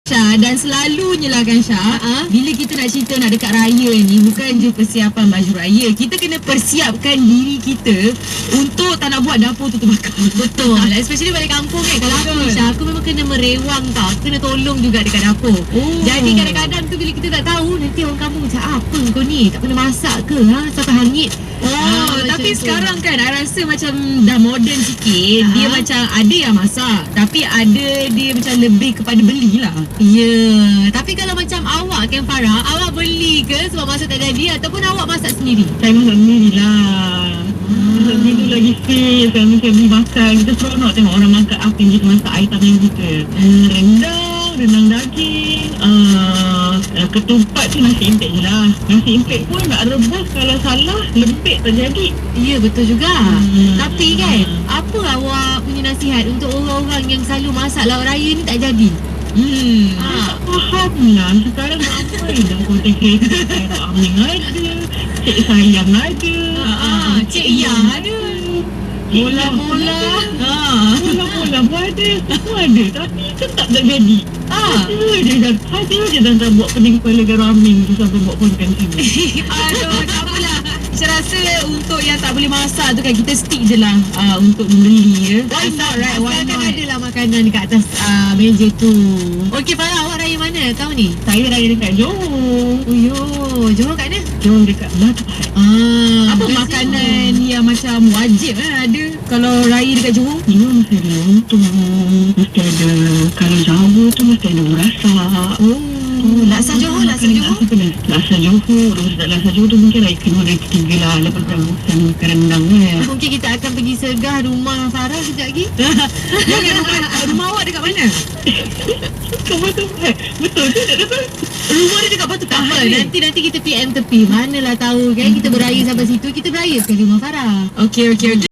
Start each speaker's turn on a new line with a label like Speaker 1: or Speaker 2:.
Speaker 1: Syah, dan selalunya lah kan Syah, bila kita nak cerita nak dekat raya ni, bukan je persiapan baju raya, kita kena persiapkan diri kita untuk tak nak buat dapur tu terbakar.
Speaker 2: Betul. Especially balik kampung kan. Kalau aku Syah, aku memang kena merewang tau. Aku kena tolong juga dekat dapur. Jadi kadang-kadang tu bila kita tak tahu, nanti orang kampung macam apa kau ni? Tak pernah masak ke? Sampai hangit.
Speaker 1: Tapi sekarang kan I rasa macam dah moden sikit. Dia macam ada yang masak, tapi ada dia macam lebih kepada belilah.
Speaker 2: Ya, tapi kalau macam awak kan Farah, awak beli ke sebab masak tak jadi ataupun awak masak sendiri?
Speaker 3: Saya masak sendiri lah. Masak sendiri lagi fit. Saya mesti beli makan. Kita seronok tengok orang makan apa yang kita masak item yang kita. Rendang daging, ketupat tu nasi impek je lah. Nasi impek pun nak rebus, kalau salah lembik terjadi.
Speaker 2: Ya, betul juga. Tapi kan, apa awak punya nasihat untuk orang-orang yang selalu masak lauk raya ni tak jadi?
Speaker 3: Tak faham lah. Sekarang ramai dah konten kreator. Sarah Aming ada, Cik Sayang ada,
Speaker 2: Cik Yang ada,
Speaker 3: Bola-bola pun ada. Semua ada. Tapi tetap tak jadi. Ada je dah buat pening kepala garam Aming tu sampai buat konten sini.
Speaker 1: Aduh, tak apalah. Saya rasa untuk yang tak boleh masak tu kan, kita stick je lah untuk membeli.
Speaker 2: Why not, right? Asalkan ada lah makanan dekat atas meja tu. Okey Farah, awak raya mana tahun ni?
Speaker 3: Saya raya dekat Johor.
Speaker 2: Johor kat mana?
Speaker 3: Johor dekat Batu Pahat.
Speaker 1: Apa makanan yang macam wajib ada kalau raya dekat Johor?
Speaker 3: Ini mesti ada lontong. Mesti ada, kalau Jawa tu mesti ada urasak.
Speaker 2: Laksa Johor.
Speaker 3: Laksa Johor. Laksa Johor tu mungkin raya kedua, raya ketiga lah. Lepas tu makan rendang kan.
Speaker 2: Mungkin kita akan pergi sergah rumah Farah sekejap lagi.
Speaker 1: Rumah awak dekat mana?
Speaker 3: Kat Batu Pahat. Betul tu tak dapat.
Speaker 1: Rumah dia dekat Batu
Speaker 2: Tak apa,
Speaker 1: Pahat.
Speaker 2: nanti kita PM tepi. Manalah tahu kan, kita beraya sampai situ, kita beraya sekali rumah Farah.
Speaker 1: Okey.